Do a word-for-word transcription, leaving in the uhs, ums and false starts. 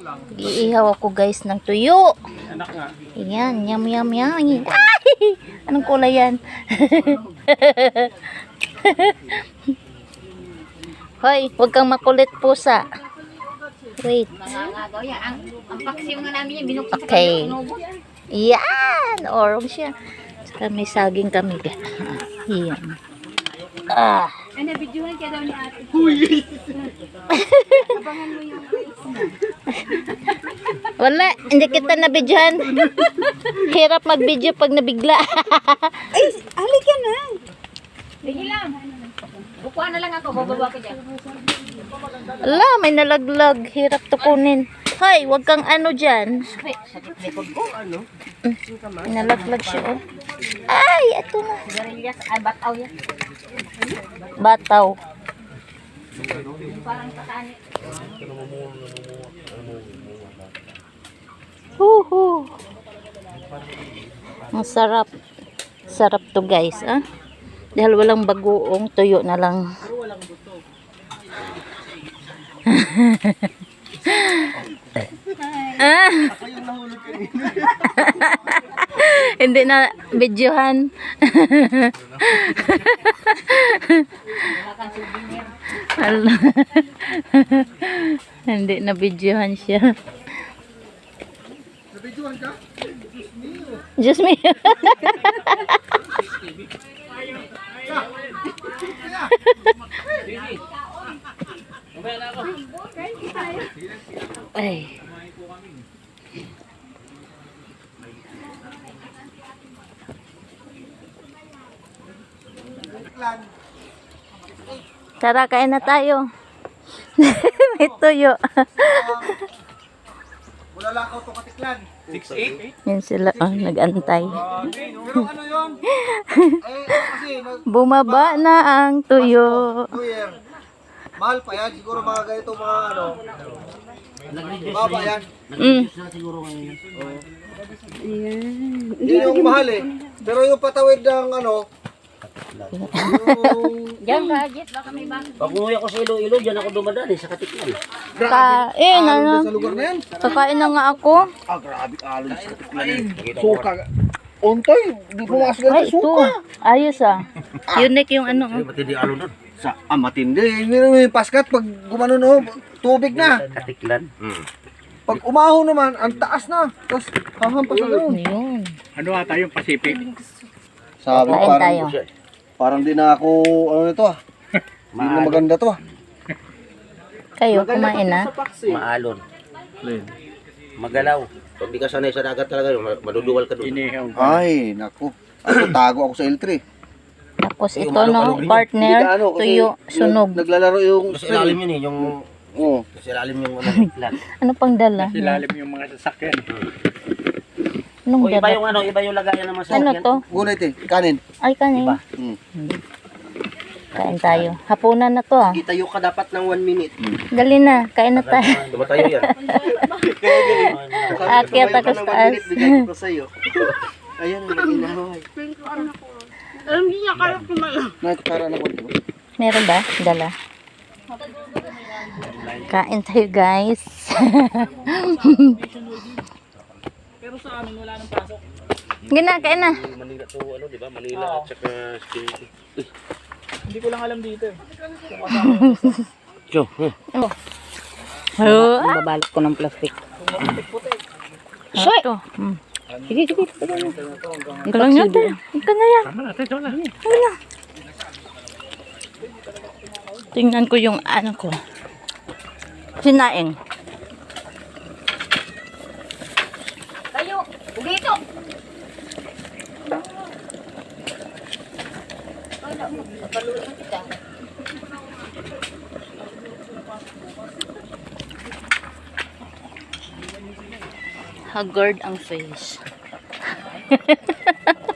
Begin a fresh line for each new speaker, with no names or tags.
Iihaw ako guys ng tuyo.
Anak nga.
Ayan, yum yum yum. Ay! Anong kulay yan? Hoy, huwag kang makulit pusa. Wait.
Nangangagaw yan. Ang, ang paksiw nga namin yan, binuksan sa
Okay.
kanya inubo.
Yan! Orong siya. Saka may saging kami. Yan. Ah.
Ay, nabidyohan ka daw ni ate.
Huy!
Abangan mo yung
Wala, hindi kita nabidyohan. Hirap mag-video pag nabigla.
Ay, halika na. Sige lang. Bukuhan na lang ako, bababa ko dyan.
Ala, may nalaglag. Hirap to kunin. Hoy, wag kang ano dyan.
Ay, sakit likod ko. Ano?
May nalaglag siya. Oh. Ay, ito na.
Sigarilyas, ay bataw yan.
Bataw.
Yung parang katani.
Huhu. Ang sarap. Sarap to guys, ah. Dahil walang bagoong, tuyo na lang. Ah. Hindi na videohan. Hindi na videohan siya.
Nabidyohan ka?
Just me. Ay. Tara, kain na tayo. May tuyo.
Wala lang ako to katiklan. six eight?
Yan sila, oh, nag-antay.
Pero ano yun? Eh, kasi, nag-
Bumaba na ang tuyo.
New Year. Mahal pa yan. Siguro mga ganito, mga ano. Baba yan.
Mm.
Yun yung mahal eh. Pero yung patawid ng ano, yung...
Diyan ka, Jet, baka may bang.
Pag umuwi ako sa Iloilo, dyan ako dumadaan eh, sa Katiklan.
Kain,
alon
ano?
sa lugar na yan.
Kakain na nga ako.
Ah, grabe alon sa Katiklan. Suka. Ontoy, di pumasok
Ay,
ganito
ito.
suka.
Ayos ah. Unique yung ano.
Ay, matindi alon doon.
Sa, ah, matindi. Meron yung paskat pag gumanon oh, tubig na.
Katiklan. Hmm.
Pag umaho naman, ang taas na. Tapos hahampas na gano'n.
Ayun.
Ano ata yung Pacific?
Sabi
Kain
parang,
tayo.
parang di na ako, ano nito ah. Hindi na maganda to ah.
Kayo, kumain na.
Maalon. Magalaw. Pag di ka sanay sa dagat talaga, ma- maduduwal ka doon.
Inihaw.
Ay, naku. Ako, tago ako sa L three.
Tapos ito no, partner,
Hindi ka ano, kasi
tuyo, sunog.
nag- Naglalaro yung
Sa ilalim yun eh, yung...
Oo.
Sa ilalim yung ano, Katiklan.
Ano pang dala?
Silalim yung mga sasakyan.
Anong
O iba
dala?
yung ano, iba yung lagayan ng mga
Ano
sasakyan.
to?
Gunit eh, kanin.
Ay, kanin.
Iba.
Hmm.
Kain tayo. Hapunan na to ah.
Itayo ka dapat ng one minute.
Dali na, kain na tayo.
Tumatayo yan.
Akyat ako sa taas.
ko sa'yo. Ayan, ang inahoy.
Alam niya, kaya kumain.
Nakikutara na ko.
Meron ba? Dala. Kain tayo guys.
Pero sa amin wala nang pasok.
Gina, kain na.
Manila to, ano, di ba? Manila at saka Security.
Hindi ko lang alam dito eh.
So, eh.
Oh.
Babalot ko ng plastic.
Soy! Hmm. Sige, sige. Ito lang natin. Ito na yan.
Tama natin, ito na.
Ito na. Tingnan ko yung ano ko. Sinaing.
Kayo, dito.
Haggard ang face.